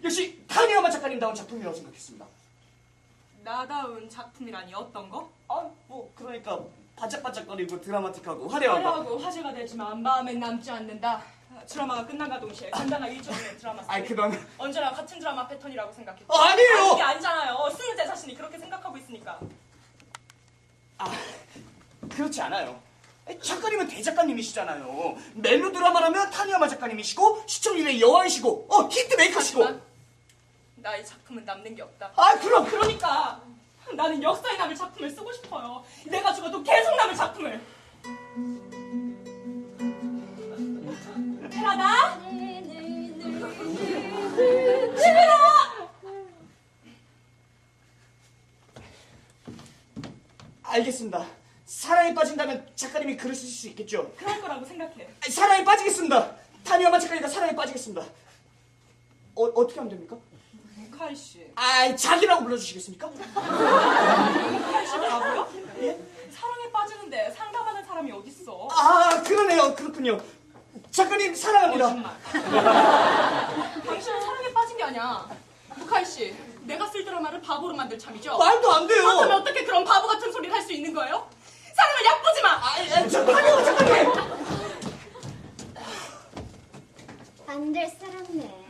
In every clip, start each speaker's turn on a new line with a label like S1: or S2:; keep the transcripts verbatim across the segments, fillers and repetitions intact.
S1: 역시 타니야마 작가님다운 작품이라고 생각했습니다.
S2: 나다운 작품이라니 어떤 거?
S1: 아, 뭐 그러니까 반짝반짝거리고 드라마틱하고 화려하고
S2: 화려하고 화제가 되지만 마음엔 남지 않는다. 드라마가 끝난가 동시에 간단하게 일정의 드라마
S1: 아이
S2: 스토리.
S1: 그런
S2: 언제나 같은 드라마 패턴이라고 생각했고.
S1: 아, 아니에요.
S2: 아니, 그게 아니잖아요. 쓰는 제 자신이 그렇게 생각하고 있으니까.
S1: 아 그렇지 않아요. 작가님은 대작가님이시잖아요. 멜로드라마라면 타니야마 작가님이시고 시청률의 여왕이시고 어 히트메이커시고.
S2: 하지만 나의 작품은 남는 게 없다.
S1: 아 그럼
S2: 그러니까 나는 역사에 남을 작품을 쓰고 싶어요. 내가 죽어도 계속 남을 작품을. 테라다? 집이라!
S1: 알겠습니다. 사랑에 빠진다면 작가님이 글을 쓰실 수 있겠죠.
S2: 그럴 거라고 생각해.
S1: 아니, 사랑에 빠지겠습니다. 타니야마 작가님과 사랑에 빠지겠습니다. 어, 어떻게 하면 됩니까?
S2: 카이 씨.
S1: 아 자기라고 불러주시겠습니까?
S2: 카이 씨라고요?
S1: 예?
S2: 사랑에 빠지는데 상담하는 사람이 어딨어?
S1: 아 그러네요. 그렇군요. 작가님 사랑합니다.
S2: 거짓말. 당신은 사랑에 빠진 게 아니야. 카이 씨, 내가 쓸 드라마를 바보로 만들 참이죠?
S1: 말도 안 돼요.
S2: 그렇다면 어떻게 그런 바보 같은 소리를 할 수 있는 거예요? 사랑을 얕보지 마!
S1: 아, 아, 저 타니야마 작가님.
S3: 안 될 사람네.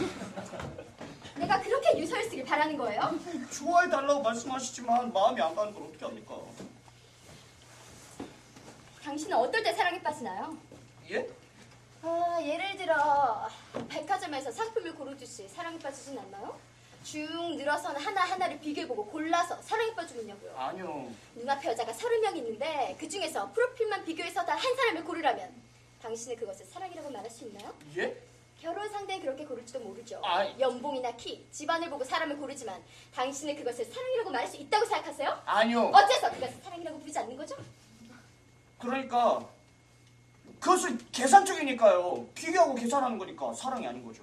S3: 내가 그렇게 유서를 쓰길 바라는 거예요?
S1: 좋아해달라고 말씀하시지만 마음이 안 가는 걸 어떻게 합니까?
S3: 당신은 어떨 때 사랑에 빠지나요?
S1: 예?
S3: 아, 예를 들어 백화점에서 상품을 고르듯이 사랑에 빠지진 않나요? 쭉 늘어서는 하나하나를 비교해보고 골라서 사랑에 빠지겠냐고요.
S1: 아니요.
S3: 눈앞에 여자가 서른 명 있는데 그 중에서 프로필만 비교해서 다 한 사람을 고르라면 당신은 그것을 사랑이라고 말할 수 있나요?
S1: 예?
S3: 결혼 상대는 그렇게 고를지도 모르죠.
S1: 아이.
S3: 연봉이나 키, 집안을 보고 사람을 고르지만 당신은 그것을 사랑이라고 말할 수 있다고 생각하세요?
S1: 아니요.
S3: 어째서 그것을 사랑이라고 부르지 않는 거죠?
S1: 그러니까 그것은 계산적이니까요. 비교하고 계산하는 거니까 사랑이 아닌 거죠.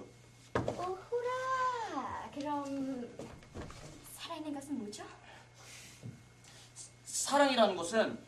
S3: 오호라. 그럼 살아있는 것은 뭐죠?
S1: 사랑이라는 것은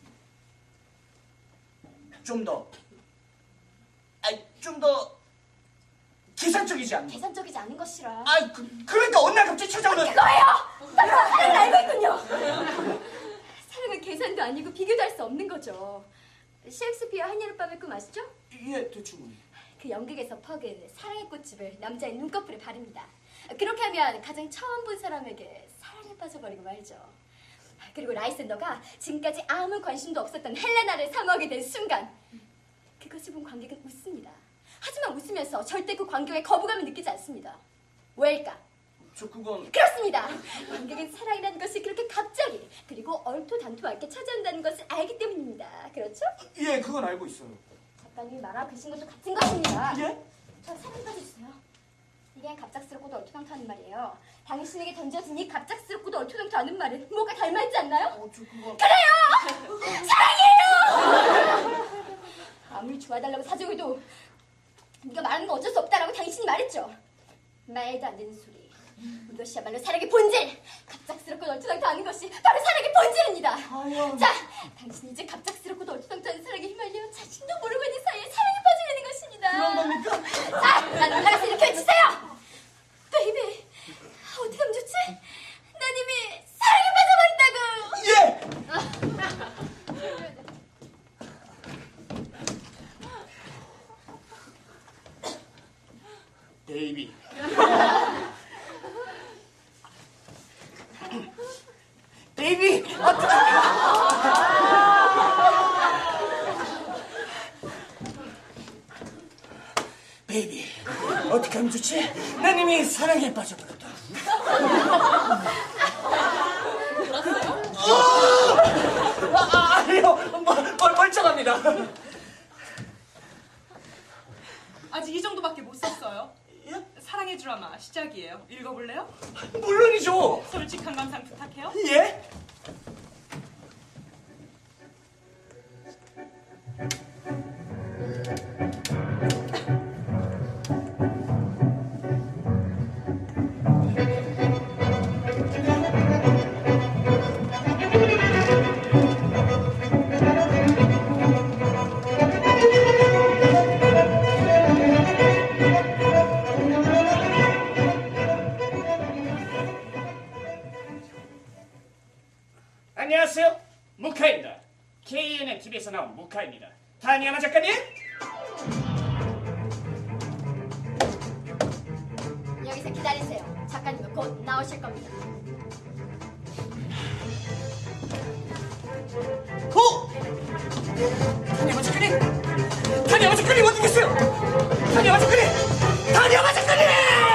S1: 좀 더, 아니 좀 더 계산적이지 않는 것.
S3: 계산적이지 않은 것이라.
S1: 아, 그, 그러니까 어느 날 갑자기 찾아오는.
S3: 그거예요. 바로 사랑을 알고 있군요. 사랑은 계산도 아니고 비교도 할 수 없는 거죠. 셰익스피어 한여름밤의 꿈 아시죠?
S1: 예, 대충.
S3: 그 연극에서 퍽은 사랑의 꽃집을 남자의 눈꺼풀에 바릅니다. 그렇게 하면 가장 처음 본 사람에게 사랑에 빠져버리고 말죠. 그리고 라이센더가 지금까지 아무 관심도 없었던 헬레나를 사모하게 된 순간 그것을 본 관객은 웃습니다. 하지만 웃으면서 절대 그 광경에 거부감을 느끼지 않습니다. 왜일까?
S1: 저 그건.
S3: 그렇습니다. 관객은 사랑이라는 것이 그렇게 갑자기 그리고 얼토당토 않게 찾아온다는 것을 알기 때문입니다. 그렇죠?
S1: 예, 그건 알고 있어요.
S3: 작가님이 말하고 계신 것도 같은 것입니다.
S1: 예?
S3: 저 사랑 빠져주세요. 이게 갑작스럽고도 얼토당토 하는 말이에요. 당신에게 던져진 이 갑작스럽고도 얼토당토 않은 말은 뭐가 닮아있지 않나요?
S1: 어, 저 그건.
S3: 그래요! 사랑이에요! 아무리 좋아달라고 사정해도 네가 말하는 건 어쩔 수 없다라고 당신이 말했죠. 말도 안 되는 소리. 이것이야말로 사랑의 본질! 갑작스럽고 얼토당토 않은 것이 바로 사랑의 본질입니다.
S1: 아유.
S3: 자, 당신이 이제 갑작스럽고도 얼토당토 않은 사랑에 휘말려 자신도 모르고 있는 사이에 사랑에 빠지려는 것입니다.
S1: 그런 겁니까?
S3: 자, 나는 나가서 이렇게 외치세요! 베이비, 어떻게 하면 좋지? 난 이미 사랑에 빠져버린다고!
S1: 예! 베이비. 베이비! 베이비, 어떻게 하면 좋지? 난 이미 사랑에 빠져버렸다. 울었어요? 아, 아, 아니요, 멀, 멀쩡합니다.
S2: 아직 이 정도밖에 못 썼어요.
S1: 예?
S2: 사랑의 드라마 시작이에요. 읽어볼래요?
S1: 물론이죠.
S2: 솔직한 감상 부탁해요.
S1: 예? 안녕하세요. 무카입니다. 케이엔엔 티비에서 나온 무카입니다. 타니야마 작가님.
S3: 여기서 기다리세요. 작가님은 곧 나오실 겁니다.
S1: 오! 타니야마 작가님! 타니야마 작가님 어디 계세요? 타니야마 작가님! 타니야마 작가님!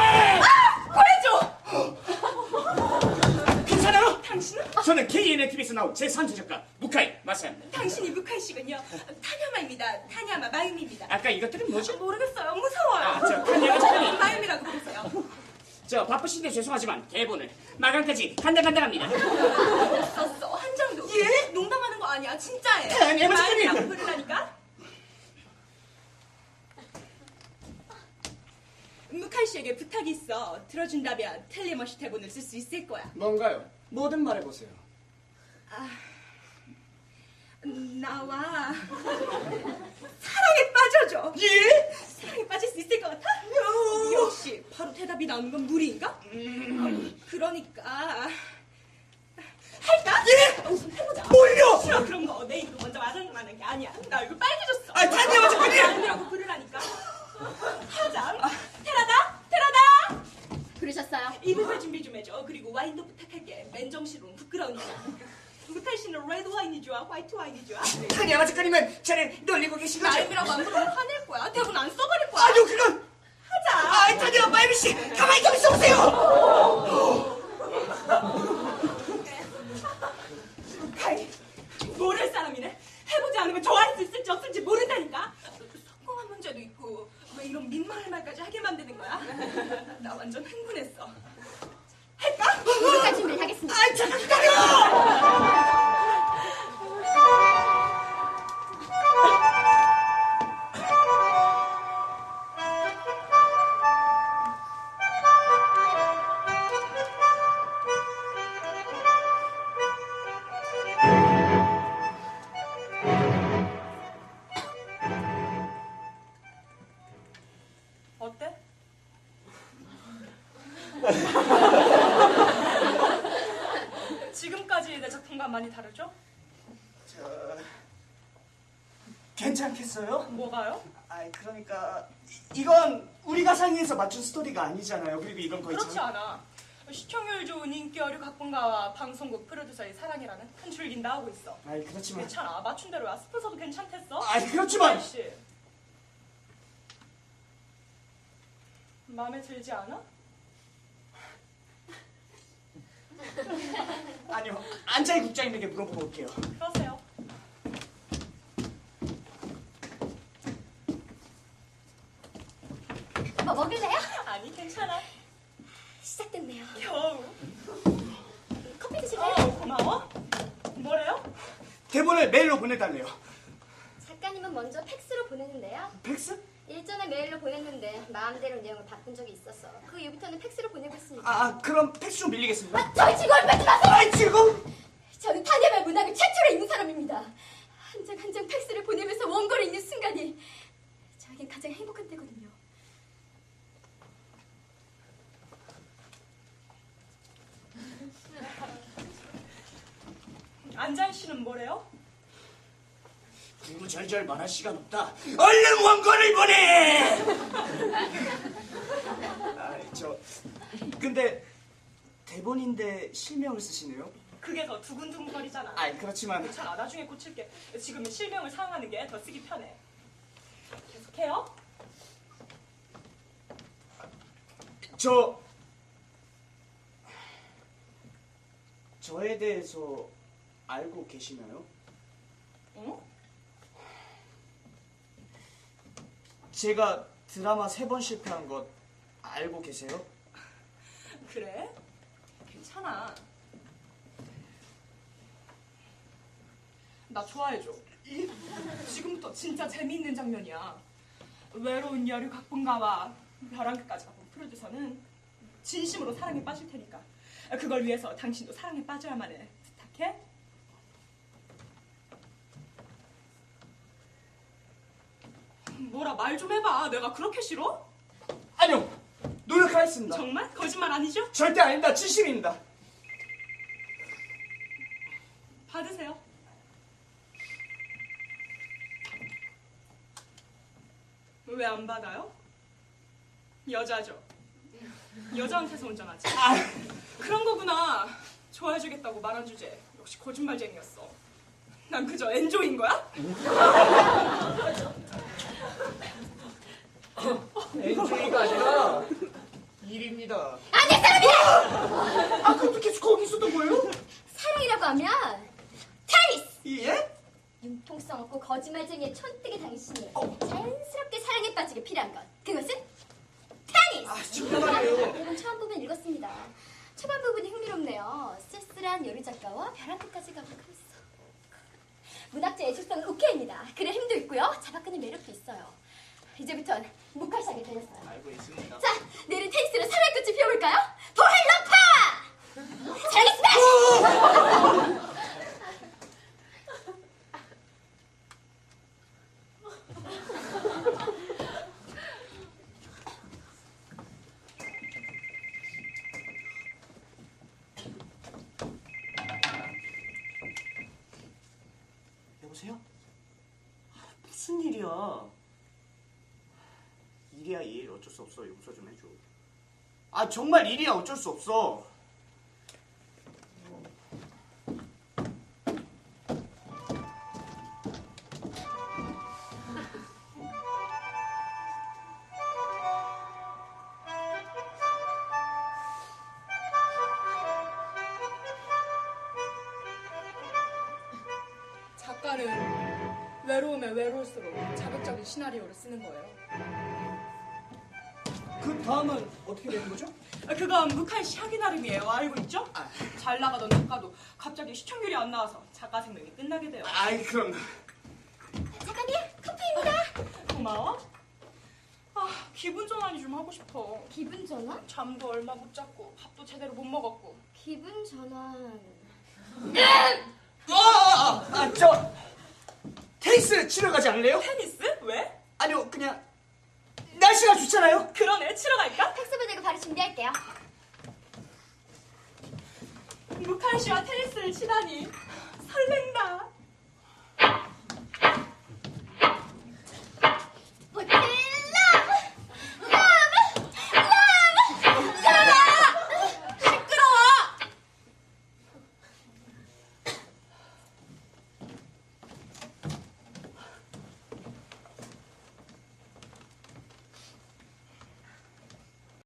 S2: 보내줘!
S1: 괜찮아요?
S2: 당신은?
S1: 저는 케이엔엔 티비에서 나온 제삼 주 작가 무카이 마사입니다.
S2: 당신이 무카이 씨군요. 타냐마입니다. 타냐마 마유미입니다.
S1: 아까 이것들은 뭐죠?
S2: 모르겠어요. 무서워요.
S1: 아, 저 타냐마 작가님.
S2: 마유미라고 부르세요.
S1: 저 바쁘신데 죄송하지만 대본을 마감까지 간당간당합니다.
S2: 썼어. 한 장도. 예? 농담하는 거 아니야. 진짜예요.
S1: 타냐마 작가님!
S2: 마유미라고 부르라니까. 무카이 씨에게 부탁이 있어. 들어준다면 텔레머시 대본을 쓸 수 있을 거야.
S1: 뭔가요? 뭐든 말해보세요.
S2: 나와 사랑에 빠져줘.
S1: 예?
S2: 사랑에 빠질 수 있을 것 같아? 역시 바로 대답이 나오는 건 무리인가?
S1: 음...
S2: 그러니까 할까?
S1: 예?
S2: 우선 해보자.
S1: 뭘요?
S2: 싫어 그런 거. 내 입으로 먼저 말하는 게 아니야. 나 얼굴 빨개졌어.
S1: 아, 타니야마 작가님!
S2: 아니라고 부르라니까. 하자. 테라다 테라다.
S3: 부르셨어요?
S2: 이불 준비 좀 해줘. 그리고 와인도 부탁할게. 맨정신으로 부끄러우니까. 무탈 씨는 레드 와인이 좋아? 화이트 와인이 좋아?
S1: 타니야마 작가님은 저를 놀리고 계신 거죠?
S2: 라임이라고 안 부르면 화낼 거야. 대본 안 써버릴 거야.
S1: 아니요, 그건...
S2: 하자.
S1: 아, 타니야마 마유미 씨! 가만히 좀 있어보세요!
S2: 카이, 모를 사람이네. 해보지 않으면 좋아할 수 있을지 없을지 모른다니까. 성공한 문제도 있고 왜 이런 민망할 말까지 하게 만드는 거야? 나 완전 흥분했어. 할까?
S3: 무카 준비를 하겠습니다.
S1: 아, 잠깐 기다려!
S2: 어때? 지금까지 내 작품과 많이 다르죠?
S1: 저... 괜찮겠어요?
S2: 뭐가요?
S1: 아이, 그러니까 이- 이건 우리가 상의해서 맞춘 스토리가 아니잖아요. 그리고 이건 거의
S2: 그렇지
S1: 장-
S2: 않아. 시청률 좋은 인기어류 각본가와 방송국 프로듀서의 사랑이라는 큰 줄긴 다 하고 있어.
S1: 아이, 그렇지만...
S2: 괜찮아. 맞춘 대로야. 스폰서도 괜찮댔어.
S1: 아이, 그렇지만...
S2: 씨. 마음에 들지 않아?
S1: 아니요, 안자희 국장님에게 물어보고 올게요.
S2: 그러세요.
S3: 뭐 먹을래요?
S2: 아니 괜찮아.
S3: 시작됐네요.
S2: 겨우.
S3: 커피 드실래요?
S2: 어 고마워. 뭐래요?
S1: 대본을 메일로 보내달래요.
S3: 작가님은 먼저 팩스로 보내는데요.
S1: 팩스?
S3: 일전에 메일로 보냈는데 마음대로 내용을 바꾼 적이 있어서 그 이후부터는 팩스로 보내고 있습니다.
S1: 아, 아, 그럼 팩스 좀 밀리겠습니다.
S3: 아, 저희 직원을 뺏지 마세요!
S1: 아이, 지금...
S3: 저는 타냐마 문학을 최초로 읽는 사람입니다. 한 장 한 장 팩스를 보내면서 원고를 읽는 순간이 저에겐 가장 행복한 때거든요.
S2: 안자희 씨는 뭐래요?
S1: 구구절절 말할 시간 없다. 얼른 원고를 보내! 아, 저... 근데 대본인데 실명을 쓰시네요?
S2: 그게 더 두근두근거리잖아.
S1: 아이, 그렇지만...
S2: 괜찮아. 나중에 고칠게. 지금은 실명을 사용하는 게 더 쓰기 편해. 계속해요.
S1: 저... 저에 대해서 알고 계시나요?
S2: 어?
S1: 제가 드라마 세 번 실패한 것 알고 계세요?
S2: 그래? 괜찮아. 나 좋아해줘. 지금부터 진짜 재미있는 장면이야. 외로운 여류 각본가와 벼랑 끝까지 가본 프로듀서는 진심으로 사랑에 빠질 테니까 그걸 위해서 당신도 사랑에 빠져야만 해. 부탁해. 뭐라 말 좀 해봐. 내가 그렇게 싫어?
S1: 아니요! 노력하겠습니다.
S2: 정말? 거짓말 아니죠?
S1: 절대 아닙니다. 진심입니다.
S2: 받으세요. 왜 안 받아요? 여자죠. 여자한테서 운전하지.
S1: 아,
S2: 그런 거구나. 좋아해주겠다고 말한 주제. 역시 거짓말쟁이였어. 난 그저 엔조이인 거야?
S1: 엔조이가 아니라 일입니다.
S3: 아니 사람이야!
S1: 아, 그럼 계속 거기 있었던 거예요?
S3: 사랑이라고 하면 테니스!
S1: 예?
S3: 융통성 없고 거짓말쟁이의 촌뜨기 당신이
S1: 어.
S3: 자연스럽게 사랑에 빠지게 필요한 것 그것은 테니스!
S1: 아, 정말이에요.
S3: 여러분 처음 보면 읽었습니다. 초반 부분이 흥미롭네요. 쓸쓸한 요리 작가와 벼랑 끝까지 가고 그랬어. 문학자 예술성은 오케이입니다. 글의 힘도 있고요. 잡아끄는 매력도 있어요. 이제부턴 무칼시하게 되렸어요.
S1: 알고 있습니다.
S3: 자, 내일은 테니스로 사랑의 꽃을 피워볼까요? 도헬러파! 사랑의 스매시!
S1: 여보세요? 아, 무슨 일이야? 일이야 일 어쩔 수 없어. 용서 좀 해줘. 아 정말 일이야 어쩔 수 없어.
S2: 작가는 외로우면 외로울수록 자극적인 시나리오를 쓰는 거예요.
S1: 그 다음은 어떻게 되는 거죠?
S2: 그건 묵한 시하기 나름이에요. 알고 있죠?
S1: 아.
S2: 잘 나가던 작가도 갑자기 시청률이 안 나와서 작가 생명이 끝나게 돼요.
S1: 아이 그럼
S3: 작가님, 커피입니다.
S2: 고마워. 아, 기분 전환이 좀 하고 싶어.
S3: 기분 전환?
S2: 잠도 얼마 못 잤고 밥도 제대로 못 먹었고.
S3: 기분 전환...
S1: 아저 테니스 치러 가지 않을래요?
S2: 테니스? 왜?
S1: 아니요 그냥 날씨가 좋잖아요.
S2: 그러네. 치러 갈까?
S3: 텍스 보내고 바로 준비할게요.
S2: 묵한 씨와 테니스를 치다니.